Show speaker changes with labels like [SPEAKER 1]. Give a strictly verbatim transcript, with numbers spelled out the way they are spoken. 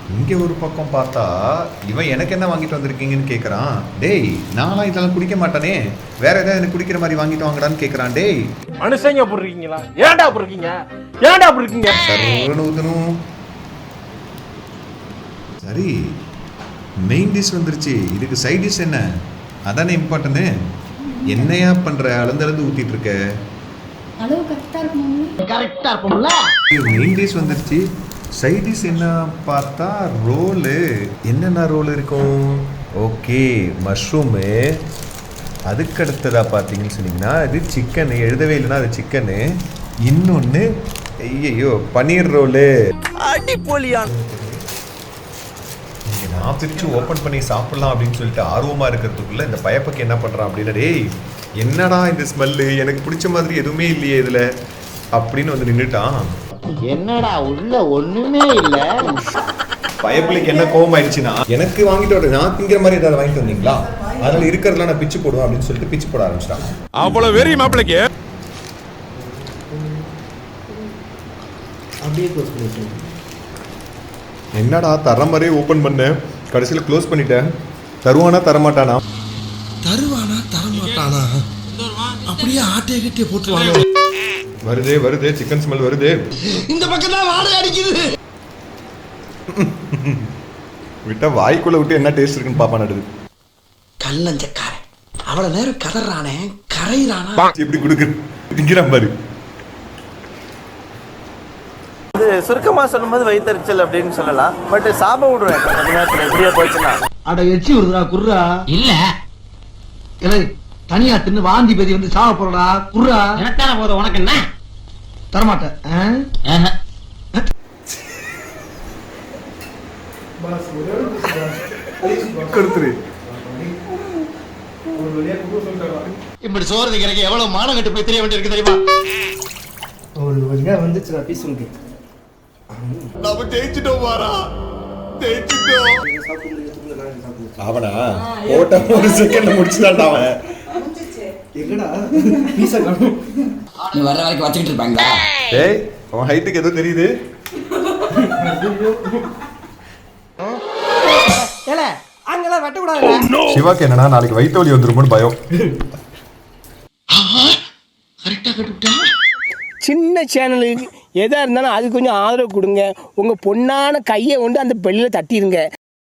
[SPEAKER 1] இங்கே ஒரு பக்கம் பார்த்தா இவன் எனக்கு என்ன வாங்கிட்டு வந்திருக்கீங்கன்னு கேட்குறான். டேய் நான்லாம் இதெல்லாம் குடிக்க மாட்டானே, வேற ஏதாவது எனக்கு குடிக்கிற மாதிரி வாங்கிட்டு வாங்கடான்னு கேட்குறான். டேய்
[SPEAKER 2] மனுஷங்க அப்படி இருக்கீங்களா? ஏன்டா அப்படி இருக்கீங்க? ஏன்டா அப்படி இருக்கீங்க?
[SPEAKER 1] சர்வனு ஊத்தணும். சரி மெயின் டிஷ் வந்துருச்சு, இதுக்கு சைட் டிஷ் என்ன? அதானே இம்பார்ட்டன்ட். என்னையா பண்ற? அளந்தளந்து ஊத்திட்டு இருக்க.
[SPEAKER 3] அளவு கரெக்டா இருக்குமா?
[SPEAKER 4] கரெக்டா இருக்கும்ல.
[SPEAKER 1] மெயின் டிஷ் வந்துருச்சு, சைட் டிஷ் என்ன பார்த்தா ரோலு. என்னென்ன ரோல் இருக்கும்? Okay mushroom. அதுக்கு அடுத்ததாக பார்த்தீங்கன்னு சொன்னீங்கன்னா இது சிக்கனு. எழுதவே இல்லைன்னா அது சிக்கனு. இன்னொன்று ஐயோ பன்னீர் ரோலு.
[SPEAKER 4] அடிப்பொலியான்.
[SPEAKER 1] நான் பிரித்து ஓப்பன் பண்ணி சாப்பிட்லாம் அப்படின்னு சொல்லிட்டு ஆர்வமாக இருக்கிறதுக்குள்ள இந்த பயப்பக்கு என்ன பண்ணுறான் அப்படின்னா, டேய் என்னடா இந்த ஸ்மெல்லு, எனக்கு பிடிச்ச மாதிரி எதுவுமே இல்லையே இதில் அப்படின்னு வந்து நின்றுட்டான்.
[SPEAKER 4] என்னடா உள்ள ஒண்ணுமே இல்ல.
[SPEAKER 1] பயப்பிள்ளைக்கு என்ன கோவம் ஆயிடுச்சுன்னா, எனக்கு வாங்கிட்டு வர நான் திங்கிற மாதிரி ஏதாவது வாங்கிட்டு வந்தீங்களா, அதனால இருக்கிறதுலாம் நான் பிச்சு போடுவேன் அப்படின்னு சொல்லிட்டு பிச்சு போட ஆரம்பிச்சிட்டான்.
[SPEAKER 5] அவ்வளவு வெறி மாப்பிளைக்கு
[SPEAKER 6] அப்படியே க்ளோஸ் பண்ணிட்டேன்.
[SPEAKER 1] என்னடா தர மாதிரியே ஓப்பன் பண்ண, கடைசியில் க்ளோஸ் பண்ணிட்டேன். தருவானா தரமாட்டானா?
[SPEAKER 6] தருவானா தரமாட்டானா? அப்படியே ஆட்டைய கிட்டே போட்டுருவாங்க.
[SPEAKER 1] வருதே வருதே சிக்கன் ஸ்மெல் வருதே.
[SPEAKER 6] இந்த பக்கம் தான் வாடை அடிக்குது.
[SPEAKER 1] விட்டா வாய்க்குள்ள விட்டு என்ன டேஸ்ட் இருக்குன்னு பாப்பா நடுது.
[SPEAKER 6] கல்லஞ்சக்காரன் அவ்வளவு நேரம் கதறானே, கரையிறானா?
[SPEAKER 1] எப்படி கொடுக்குற திங்கிறான் பாரு.
[SPEAKER 2] இது சுருக்கமா சொல்லும்போது வயிற்றுச்சல் அப்படின்னு சொல்லலாம். பட் சாப விடுவேன் கொஞ்ச நேரத்துல எப்படியா போச்சுன்னா.
[SPEAKER 6] அட எச்சி விடுறா குர்ரா.
[SPEAKER 4] இல்ல
[SPEAKER 6] இல்லை தனியா தின்னு வாந்தி பேதி வந்து சாவ போறடா குர்ரா.
[SPEAKER 4] எனக்கான போதும் உனக்கு என்ன?
[SPEAKER 6] தரமாட்டேன்.
[SPEAKER 1] கொடுத்துரு.
[SPEAKER 6] இப்படி சோறு திங்கிறக்கு எவ்வளவு மானம் கட்டு போய் தெரிய வேண்டியிருக்கு தெரியுமா?
[SPEAKER 7] ஒரு வழியா வந்துச்சுடா பீஸ் உனக்கு.
[SPEAKER 1] நாம ஜெயிச்சிட்டோம் வாரா, ஜெயிச்சிட்டோம். அவனா ஓட்ட ஒரு செகண்ட்ல முடிச்சுட்டான்டா அவன்.
[SPEAKER 7] எங்கடா பீஸா காணோம்?
[SPEAKER 4] நீ வர்ற வரைக்கும் வச்சுக்கிட்டு இருப்பாங்களா?
[SPEAKER 1] டேய் அவன் ஹைட்டுக்கு ஏதோ தெரியுது.
[SPEAKER 7] ஏல அங்கலாம் வெட்ட கூடாதுடா.
[SPEAKER 1] சிவாக்கு என்னன்னா நாளைக்கு வயிற்று வலி வந்துருமோன்னு பயம்.
[SPEAKER 6] கரெக்டா கட்டுவிட்டா.
[SPEAKER 8] சின்ன சேனலுக்கு எதாக இருந்தாலும் அது கொஞ்சம் ஆதரவு கொடுங்க. உங்கள் பொண்ணான கையை கொண்டு அந்த பெல்லில் தட்டிடுங்க.